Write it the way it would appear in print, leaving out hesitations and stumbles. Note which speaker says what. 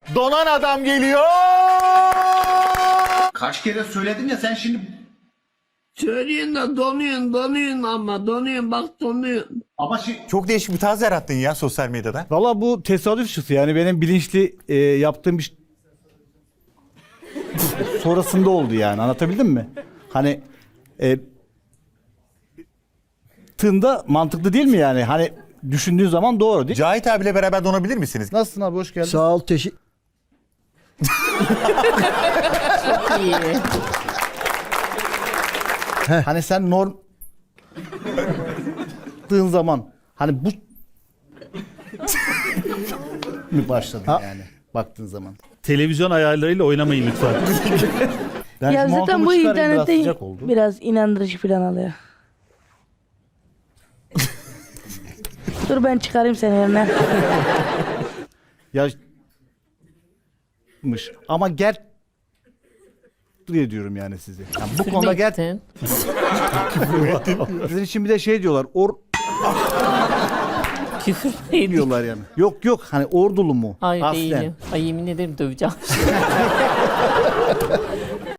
Speaker 1: Donan adam geliyor.
Speaker 2: Kaç kere söyledim ya sen şimdi...
Speaker 3: Söylüyorsun da donuyorsun ama donuyorsun bak donuyorsun.
Speaker 2: Ama
Speaker 1: Çok değişik bir tarz yarattın ya sosyal medyada.
Speaker 4: Valla bu tesadüf çıktı yani benim bilinçli yaptığım bir sonrasında oldu yani, anlatabildim mi? Hani tığında mantıklı değil mi yani? Hani düşündüğün zaman doğru değil.
Speaker 1: Cahit abiyle beraber donabilir misiniz?
Speaker 4: Nasılsın abi, hoş geldin.
Speaker 5: Sağ ol,
Speaker 3: İyi.
Speaker 4: Hani sen norm tığın zaman hani bu mi başladın yani baktığın zaman?
Speaker 6: Televizyon ayarlarıyla oynamayın lütfen.
Speaker 4: Ben
Speaker 7: Ya
Speaker 4: şu
Speaker 7: zaten
Speaker 4: montumu
Speaker 7: bu
Speaker 4: çıkarayım, biraz
Speaker 7: internette
Speaker 4: sıcak oldu.
Speaker 7: biraz inandırıcı falan alıyor. Dur ben çıkarayım seni yerine.
Speaker 4: Yamış ama diyorum yani size. Yani bu konuda sizin için bir de şey diyorlar.
Speaker 8: Küfür neydi?
Speaker 4: Diyorlar yani. Yok hani ordulu mu?
Speaker 8: Hayır
Speaker 4: Aslen.
Speaker 8: değilim. Ay yemin ederim döveceğim.